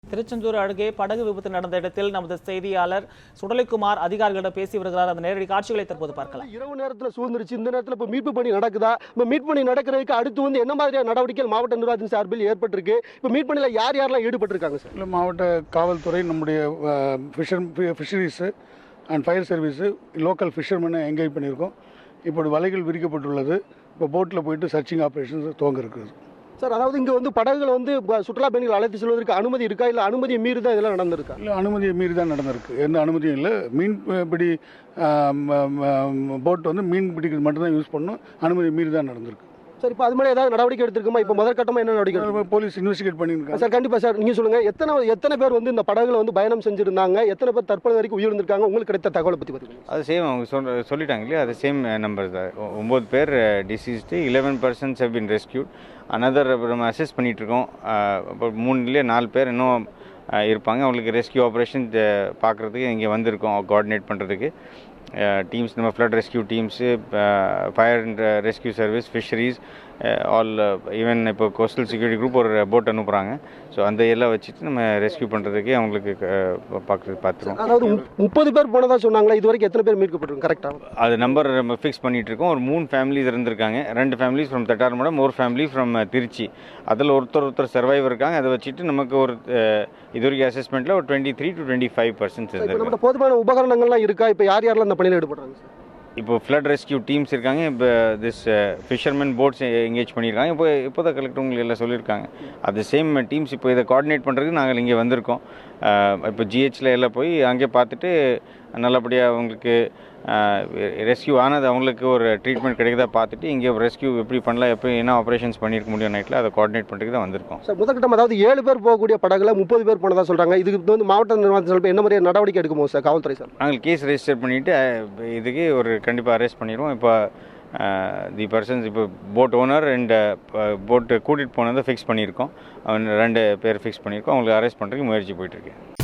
திருச்செந்தூர் அருகே படகு விபத்து நடந்த இடத்தில் நமது செய்தியாளர் சுடலைக்குமார் அதிகாரிகளிடம் பேசி வருகிறார். அந்த நேரடி காட்சிகளை தற்போது பார்க்கலாம். இரவு நேரத்தில் சூழ்ந்துருச்சு. இந்த நேரத்தில் இப்போ மீட்பு பணி நடக்குதா? இப்போ மீட்பு பணி நடக்கிறதுக்கு அடுத்து என்ன மாதிரியான நடவடிக்கைகள் மாவட்ட நிர்வாகத்தின் சார்பில் ஏற்பட்டிருக்கு? இப்போ மீட்பு பணியில் யார் யாரெல்லாம் ஈடுபட்டிருக்காங்க சார்? இல்லை, மாவட்ட காவல்துறை, நம்முடைய fisheries and fire service, local ஃபிஷர்மேனை என்கேஜ் பண்ணியிருக்கோம். இப்போது வலைகள் விரிக்கப்பட்டுள்ளது. இப்போ போட்டில் போயிட்டு சர்ச்சிங் ஆப்ரேஷன்ஸ் துவங்க இருக்குது சார். அதாவது இங்கே படகுகளை சுற்றுலா பயணிகள் அழைத்து செல்வதற்கு அனுமதி இருக்கா, இல்லை அனுமதியை மீறி தான் இதெல்லாம் நடந்திருக்கா? இல்லை, அனுமதியை மீறி தான் நடந்திருக்கு. எந்த அனுமதியும் இல்லை. மீன்பிடி போட் மீன் பிடிக்கிறது மட்டும்தான் யூஸ் பண்ணணும். அனுமதியை மீறி தான் நடந்திருக்கு சார். இப்போ அது மாதிரி ஏதாவது நடவடிக்கை எடுத்திருக்குமா? இப்போ முதற்கட்டமாக என்ன நடவடிக்கை? போலீஸ் இன்வெஸ்டிகேட் பண்ணியிருக்காங்க சார். கண்டிப்பாக சார், நீங்கள் சொல்லுங்கள், எத்தனை பேர் இந்த படகுல பயணம் செஞ்சுருந்தாங்க, எத்தனை பேர் தற்போது வரைக்கும் உயிரிழந்திருக்காங்க? உங்களுக்கு கிடைத்த தகவலை பற்றி பார்த்துக்கோங்க. அது சேம் அவங்க சொல்லிட்டாங்க இல்லையா, அது சேம் நம்பர் தான். 9 பேர் deceased, 11 persons have been rescued. another நம்ம அசஸ் பண்ணிகிட்ருக்கோம். இப்போ 4 பேர் இன்னும் இருப்பாங்க. அவங்களுக்கு ரெஸ்கியூ ஆப்ரேஷன் பார்க்குறதுக்கு இங்கே வந்திருக்கோம், கோஆர்டினேட் பண்ணுறதுக்கு. டீம்ஸ் நம்ம flood rescue teams, fire and rescue service, fisheries, all, even இப்போ கோஸ்டல் செக்யூரிட்டி குரூப் ஒரு போட் அனுப்புகிறாங்க. ஸோ அந்த எல்லாம் வச்சுட்டு நம்ம ரெஸ்கியூ பண்ணுறதுக்கு அவங்களுக்கு பார்த்துருவோம். அதாவது 30 பேர் போனதாக சொன்னாங்களா? இது வரைக்கும் எத்தனை பேர் மீட்கப்பட்டிருக்கும் கரெக்டாக? அது நம்பர் நம்ம ஃபிக்ஸ் பண்ணிகிட்டு இருக்கோம். ஒரு 3 ஃபேமிலிஸ் இருந்திருக்காங்க. 2 ஃபேமிலிஸ் ஃப்ரம் தட்டார்மடம், ஒரு ஃபேமிலி ஃப்ரம் திருச்சி. அதில் ஒருத்தர் சர்வைவ் இருக்காங்க. அதை வச்சுட்டு நமக்கு ஒரு இது வரைக்கும் அசஸ்மெண்ட்டில் ஒரு 23 to 25% இருந்திருக்கு. போதுமான உபகரணங்கள்லாம் இருக்கா? இப்போ யாரெல்லாம் அந்த பணியில் ஈடுபடுறாங்க சார்? இப்போ ஃப்ளட் ரெஸ்கியூ டீம்ஸ் இருக்காங்க. இப்போ திஸ் ஃபிஷர்மேன் போட்ஸ் எங்கேஜ் பண்ணியிருக்காங்க. இப்போ தான் கலெக்டர் உங்களுக்கு எல்லாம் சொல்லியிருக்காங்க. அது சேம் டீம்ஸ் இப்போ இதை கோஆர்டினேட் பண்ணுறதுக்கு நாங்கள் இங்கே வந்திருக்கோம். இப்போ ஜிஹெச்சில் எல்லாம் போய் அங்கே பார்த்துட்டு நல்லபடியாக அவங்களுக்கு ரெஸ்கியூ ஆனது, அவங்களுக்கு ஒரு ட்ரீட்மெண்ட் கிடைக்குதா பார்த்துட்டு இங்கே ரெஸ்கியூ எப்படி பண்ணலாம், எப்படி என்ன ஆப்ரேஷன்ஸ் பண்ணியிருக்க முடியும் நைட்டில், அதை கோஆர்டினேட் பண்ணுறதுக்கு தான் வந்திருக்கோம். சார், முதற்கட்டம் அதாவது 7 பேர் போகக்கூடிய படகுல 30 பேர் போனதாக சொல்கிறாங்க. இதுக்கு மாவட்ட நிர்வாகத்தில் என்ன மாதிரியான நடவடிக்கை எடுக்குமோ சார் காவல்துறை சார்? நாங்கள் கேஸ் ரெஜிஸ்டர் பண்ணிவிட்டு இதுக்கு ஒரு கண்டிப்பாக அரெஸ்ட் பண்ணிடுவோம். இப்போ தி பர்சன்ஸ், இப்போ போட் ஓனர் அண்ட் போட்டு கூட்டிகிட்டு போனதை ஃபிக்ஸ் பண்ணியிருக்கோம். 2 பேர் ஃபிக்ஸ் பண்ணியிருக்கோம். அவங்களுக்கு அரெஸ்ட் பண்ணுறதுக்கு முயற்சி போயிட்டுருக்கு.